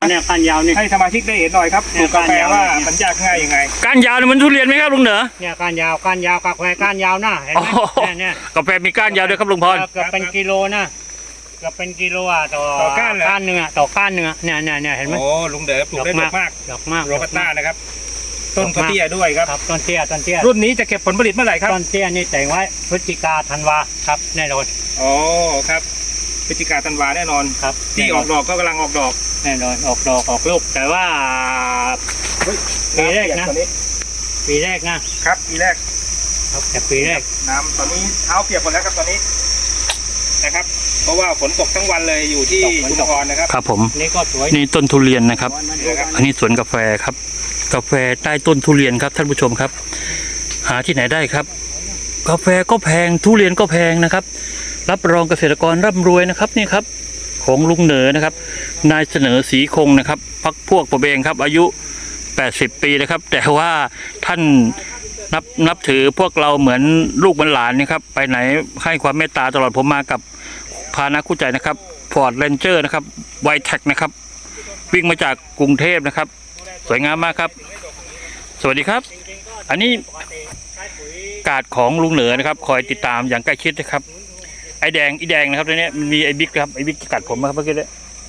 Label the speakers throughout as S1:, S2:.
S1: เนี่ยก้านยาวนี่
S2: ให้สมาชิกได้เห็นหน่อยครับปลูกกาแฟว่ามันยากง่ายยังไง
S3: ก้านยาวมันทุเรียนไหมครับลุงเหนือ
S1: เนี่ยก้านยาวกาแฟก้านยาวนะเห็นไหมเนี่ย
S3: กาแฟมีก้านยาวด้วยครับลุงพร
S1: เกือบเป็นกิโลนะเกือบเป็นกิโลต่อก้านหนึ่งต่อก้านหนึ่งเนี่ยเห็นไหม
S2: โอ้ลุงเด๋อปลูกได้ดอกมากโรบัสต้านะครับต้นเตี้ยด้วยครับ
S1: ต้นเตี้ย
S2: รุ่นนี้จะเก็บผลผลิตเมื่อไหร่ครับ
S1: ต้นเตี้ยนี่แต่งไว้พฤศจิกาธันวาครับแน่นอน
S2: อ๋อครับพฤศจิกาธันวาแน่นอน
S1: ครับ
S2: ที่ออกดอกก็กำลังออกดอก
S1: แน่นอนออกดอกออกลูกแต่ว่าปีแรกนะครับปีแรก
S2: ครับ
S1: แต่ปีแรก
S2: น้ำตอนนี้เท้าเปียกหมดแล้วครับตอนนี้นะครับเพราะว่าฝนตกทั้งวันเลยอยู่ที่ชุมพรนะครับ
S3: ครับผม
S1: นี่ก็สวย
S3: นี่ต้นทุเรียนนะครับอันนี้สวนกาแฟครับกาแฟใต้ต้นทุเรียนครับท่านผู้ชมครับหาที่ไหนได้ครับกาแฟก็แพงทุเรียนก็แพงนะครับรับรองเกษตรกรร่ำรวยนะครับนี่ครับของลุงเหนือนะครับนายเสนอศรีคงนะครับพรรคพวกผมเองครับอายุ80 ปีนะครับแต่ว่าท่านนับถือพวกเราเหมือนลูกเหมือนหลานนะครับไปไหนให้ความเมตตาตลอดผมมากับพานะคู่ใจนะครับฟอร์ดเรนเจอร์นะครับไวแท็กนะครับวิ่งมาจากกรุงเทพนะครับสวยงามมากครับสวัสดีครับอันนี้กาดของลุงเหนือนะครับคอยติดตามอย่างใกล้ชิดนะครับไอแดงนะครับตัวนี้มันมีไอบิ๊กครับไอบิ๊กกัดผมครับเมื่อกี้เลย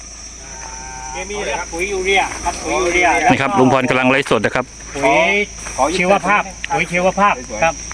S1: ปุ๋ยยูเรีย
S3: นี่ครับลุงพรกำลังไลฟ์สดนะครับ
S1: ปุ๋ยชีวภาพครับ